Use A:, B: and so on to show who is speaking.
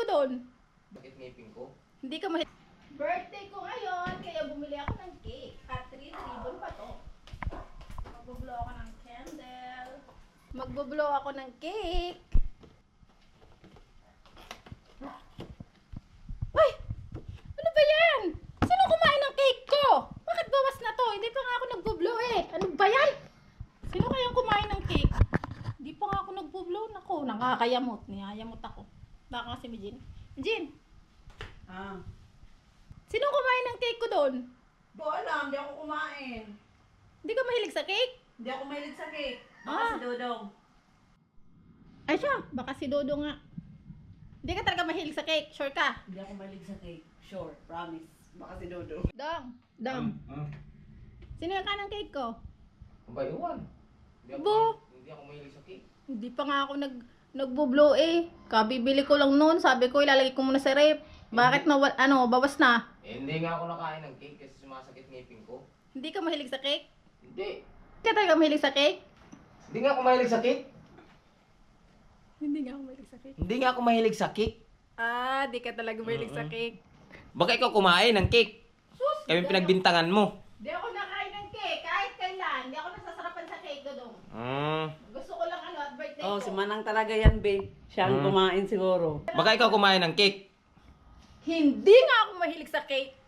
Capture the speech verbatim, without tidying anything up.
A: doon?
B: Bakit ngipin ko?
A: Hindi ka mahilig. Birthday ko ngayon, kaya bumili ako ng cake. At three ribbon pa to. Magbublow ako ng candle. Magbublow ako ng cake. Ay! Ano ba yan? Sino kumain ng cake ko? Bakit bawas na to? Hindi pa nga ako nagbublow eh. Ano ba yan? Sino kayang kumain ng cake? Hindi pa nga ako nagbublow. Naku, nakakayamot. Niyayamot ako. Baka kasi si Jin. Jin!
C: Ah.
A: Sino kumain ng cake ko doon?
C: Di ko alam, di ako kumain.
A: Hindi ka mahilig sa cake?
C: Hindi ako mahilig sa cake. Baka
A: Ah.
C: si Dodong.
A: Ay siya, baka si Dodo nga. Hindi ka talaga mahilig sa cake, sure ka?
C: Hindi ako mahilig sa cake. Sure, promise. Baka si Dodong.
A: Dong, Dong.
B: Hmm?
A: Sino yung kanang cake ko?
B: Aba, iwan. Hindi ako,
A: Bo.
B: mahilig- hindi ako mahilig sa cake.
A: Hindi pa nga ako nag nagbublow eh. Kabibili ko lang noon, sabi ko ilalagay ko muna sa rep. Bakit na ano, bawas na?
B: Eh, hindi nga ako nakain ng cake kasi sumasakit ngipin ko.
A: Hindi ka mahilig sa cake?
B: Hindi.
A: Hindi ka talaga mahilig sa cake?
B: Hindi nga ako mahilig sa cake.
A: Hindi nga ako mahilig sa cake.
B: Hindi nga ako mahilig sa cake.
A: Ah, di ka talaga mahilig sa cake.
B: Baka ikaw kumain ng cake.
A: Sus!
B: Kami
A: di
B: pinagbintangan mo.
A: ako- Di ako nakain ng cake, kahit kailan. Di ako nasasarapan sa cake ko dong.
B: Hmm.
A: Gusto ko lang ano at birthday
C: Oh,
A: ko.
C: si Manang talaga yan, babe. Siya ang
B: Hmm.
C: kumain siguro.
B: Baka ikaw kumain ng cake.
A: Hindi nga ako mahilig sa cake.